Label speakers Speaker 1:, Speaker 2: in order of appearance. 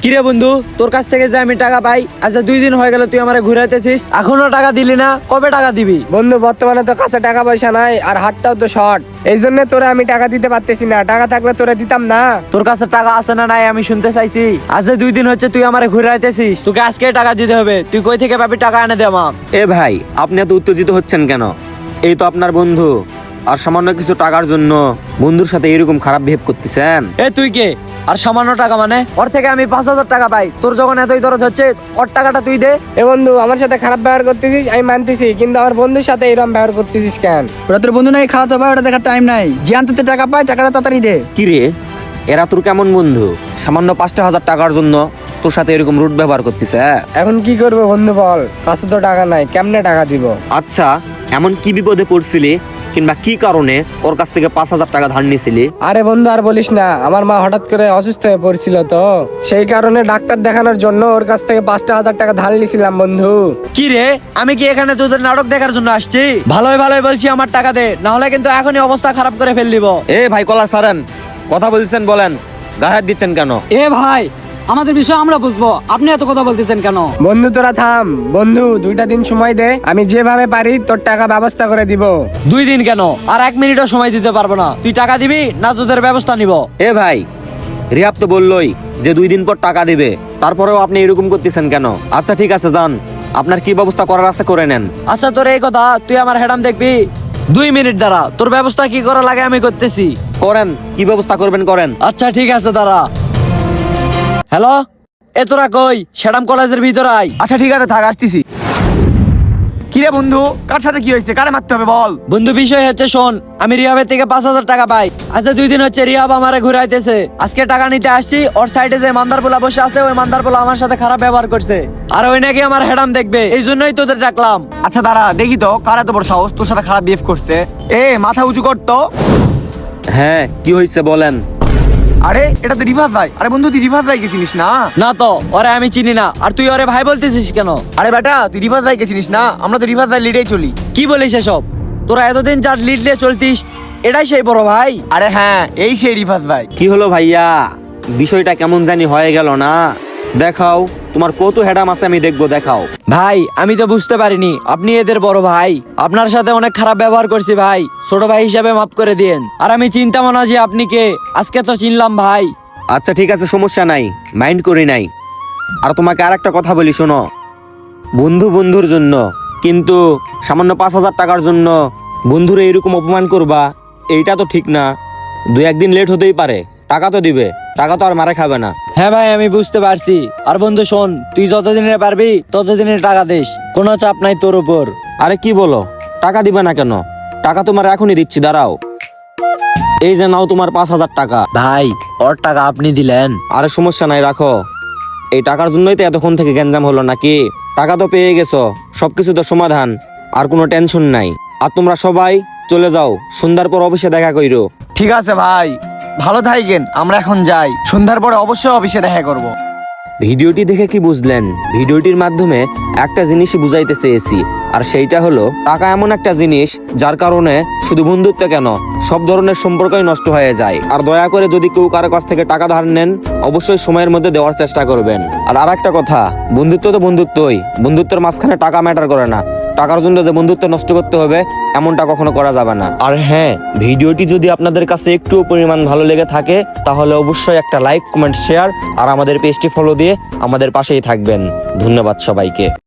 Speaker 1: কিরে বন্ধু, তোর কাছ থেকে যে আমি টাকা পাই, আচ্ছা 2 দিন হয়ে গেল তুই আমারে ঘুরাইতেছিস, এখনো টাকা দিলি না, কবে টাকা দিবি?
Speaker 2: বন্ধু বর্তমানে তো কাছে টাকা পয়সা নাই, আর হাতটাও তো শর্ট, এই জন্য তোরা আমি টাকা দিতে পারতেছি না। টাকা থাকলে তোরা দিতাম না।
Speaker 1: তোর কাছে টাকা আছে না নাই আমি শুনতে চাইছি। আজ 2 দিন হচ্ছে তুই আমারে ঘুরাইতেছিস, তোকে আজকে টাকা দিতে হবে। তুই কই থেকে পাবি টাকা? এনে দে আমাকে।
Speaker 3: এ ভাই, আপনি এত উত্তেজিত হচ্ছেন কেন? এই তো আপনার বন্ধু, আর সামান্য কিছু টাকার জন্য বন্ধুর সাথে এরকম খারাপ বিহেভ করতেছেন?
Speaker 1: এ তুই কে? আর সামান্য টাকা মানে? ওর থেকে আমি 5,000 টাকা পাই, তোর যখন এতই দরদ হচ্ছে ওর টাকাটা তুই দে।
Speaker 2: এ বন্ধু, আমার সাথে খারাপ ব্যবহার করতেছিস আমি মানতেছি, কিন্তু আমার বন্ধুর সাথে এরকম ব্যবহার করতেছিস কেন?
Speaker 4: ওরা তোর বন্ধু নাই, খাওয়া দাওয়া ওটা দেখার টাইম নাই। জিয়ান তোতে টাকা পায়, টাকাটা তাড়াতাড়ি দে।
Speaker 3: কি রে, এরা তোর কেমন বন্ধু? সামান্য 5,000 টাকার জন্য তোর সাথে এরকম রুট ব্যবহার করতেছে?
Speaker 2: এখন কি করবো বন্ধু বল, কাছে তো টাকা নাই, কেমনে টাকা দিব?
Speaker 3: আচ্ছা, এমন কি বিপদে পড়ছিলি কিংবা কি কারণে ওর কাছ থেকে 5,000 টাকা ধার নিয়েছিলি?
Speaker 2: আরে বন্ধু আর বলিস না, আমার মা হঠাৎ করে অসুস্থ হয়ে পড়ছিল, তো সেই কারণে ডাক্তার দেখানোর জন্য ওর কাছ থেকে 5,000 টাকা ধার নিয়েছিলাম বন্ধু।
Speaker 1: কি রে, আমি কি এখানে তোদের নাটক দেখার জন্য আসছি? ভালোই ভালোই বলছি আমার টাকা দে, না হলে কিন্তু এখনই অবস্থা খারাপ করে ফেল দিব।
Speaker 3: এ ভাই, কলা সারেন, কথা বলছেন বলেন, গায়ে হাত দিচ্ছেন কেন?
Speaker 5: এ ভাই, আমাদের বিষয় আমরা বুঝবো, আপনি এত কথা বলতেছেন কেন?
Speaker 2: বন্ধু তোরা থাম, বন্ধু 2টা দিন সময় দে, আমি যেভাবে পারি তোর টাকা ব্যবস্থা করে দিব।
Speaker 1: 2 দিন কেন, আর 1 মিনিটও সময় দিতে পারবো না। তুই টাকা দিবি না তোদের ব্যবস্থা নিব?
Speaker 3: এ ভাই, রিহাব তো বললোই যে 2 দিন পর টাকা দিবে, তারপরেও আপনি এরকম করতেছেন কেন? আচ্ছা ঠিক আছে, যান, আপনার কি ব্যবস্থা করার আছে করে নেন।
Speaker 1: আচ্ছা তোর এই কথা, তুই আমার হেডাম দেখবি? 2 মিনিট দাঁড়া, তোর ব্যবস্থা কি করা লাগে আমি করতেছি।
Speaker 3: করেন, কি ব্যবস্থা করবেন করেন।
Speaker 1: আচ্ছা ঠিক আছে দাঁড়া। হ্যালো, এ তোরা কই? শ্যাডাম কলেজের ভিতরে আয়।
Speaker 4: আচ্ছা ঠিক আছে, থাক, আসতেছি। কিরে বন্ধু, কার সাথে কি হয়েছে? কারে মারতে হবে বল।
Speaker 1: বন্ধু বিষয় হচ্ছে শোন, আমি রিহাবের থেকে 5,000 টাকা পাই। আচ্ছা 2 দিন হচ্ছে রিহাব আমারে ঘুরাইতেছে। আজকে টাকা নিতে আসছি, ওর সাইডে যে মান্দারপোলা বসে আছে, ওই মান্দারপোলা আমার সাথে খারাপ ব্যবহার করছে, আর ওই নাকি আমার হেডাম দেখবে, এই জন্যই তোদের ডাকলাম।
Speaker 4: আচ্ছা দাঁড়া, দেখি তো কার এত বড় সাহস তোর সাথে খারাপ বিহেভ করছে। এ মাথা উঁচু কর তো।
Speaker 3: হ্যাঁ, কি হয়েছে বলেন।
Speaker 4: আরে এটা তো রিভাস ভাই। আরে বন্ধু, তুই রিভাস ভাইকে চিনিস না?
Speaker 1: না তো, ওরে আমি চিনি না, আর তুই ওরে ভাই বলতেছিস কেন?
Speaker 4: আরে বেটা, তুই রিভাস ভাইকে চিনিস না? আমরা তো রিভাস ভাই লিডেই চলি।
Speaker 1: কি বলিস এসব? তোরা এতদিন যার লিড নিয়ে চলতিস, এটাই সেই বড় ভাই?
Speaker 4: আরে হ্যাঁ, এই সেই রিভাস ভাই।
Speaker 3: কি হলো ভাইয়া, বিষয়টা কেমন জানি হয়ে গেল না? দেখাও তোমার কত হেডাম আছে, আমি দেখবো, দেখাও।
Speaker 1: ভাই আমি তো বুঝতে পারিনি আপনি এদের বড় ভাই, আপনার সাথে অনেক খারাপ ব্যবহার করছি ভাই, ছোট ভাই হিসাবে মাফ করে দিয়েন। আর আমি চিন্তাম না যে আপনি কে, আজকে তো চিনলাম ভাই।
Speaker 3: আচ্ছা ঠিক আছে, সমস্যা নাই, মাইন্ড করি নাই। আর তোমাকে আর একটা কথা বলি, শোনো, বন্ধু বন্ধুর জন্য, কিন্তু সামান্য 5,000 টাকার জন্য বন্ধুরে এরকম অপমান করবা, এইটা তো ঠিক না। 2-1 দিন লেট হতেই পারে, টাকা তো দিবে, টাকা তো আর মারা খাবে না।
Speaker 1: হ্যাঁ ভাই আমি বুঝতে পারছি। আর বন্ধু শোন, তুই যতদিনে পারবি ততদিনে টাকা দিস, কোনো চাপ নাই তোর উপর।
Speaker 3: আরে কি বলো, টাকা দিবে না কেন? টাকা তোমার এখনই দিচ্ছি, দাঁড়াও। এই যে নাও তোমার 5,000 টাকা।
Speaker 1: ভাই ওর টাকা আপনি দিলেন?
Speaker 3: আরে সমস্যা নাই, রাখো। এই টাকার জন্যই তো এতক্ষণ থেকে গ্যাঞ্জাম হলো নাকি? টাকা তো পেয়ে গেছো, সবকিছু তো সমাধান, আর কোনো টেনশন নাই। আর তোমরা সবাই চলে যাও, সন্ধ্যার পর অফিসে দেখা কইরো।
Speaker 4: ঠিক আছে ভাই, ভালো থাকেন, আমরা এখন যাই, সন্ধ্যার পরে অবশ্যই অফিসে দেখা করব।
Speaker 3: ভিডিওটি দেখে কি বুঝলেন? ভিডিওটির মাধ্যমে একটা জিনিসই বুঝাইতে চেয়েছি, আর সেইটা হলো টাকা এমন একটা জিনিস যার কারণে শুধু বন্ধুত্ব কেন, সব ধরনের সম্পর্কই নষ্ট হয়ে যায়। আর দয়া করে যদি কেউ কারো কাছ থেকে টাকা ধার নেন, অবশ্যই সময়ের মধ্যে দেওয়ার চেষ্টা করবেন। আর একটা কথা, বন্ধুত্ব তো বন্ধুত্বই, বন্ধুত্বের মাঝখানে টাকা ম্যাটার করে না। টাকার জন্য যে বন্ধুত্ব নষ্ট করতে হবে এমনটা কখনো করা যাবে না। আর হ্যাঁ, ভিডিওটি যদি আপনাদের কাছে একটু পরিমাণ ভালো লেগে থাকে, তাহলে অবশ্যই একটা লাইক, কমেন্ট, শেয়ার আর আমাদের পেজটি ফলো দিয়ে আমাদের পাশেই থাকবেন। ধন্যবাদ সবাইকে।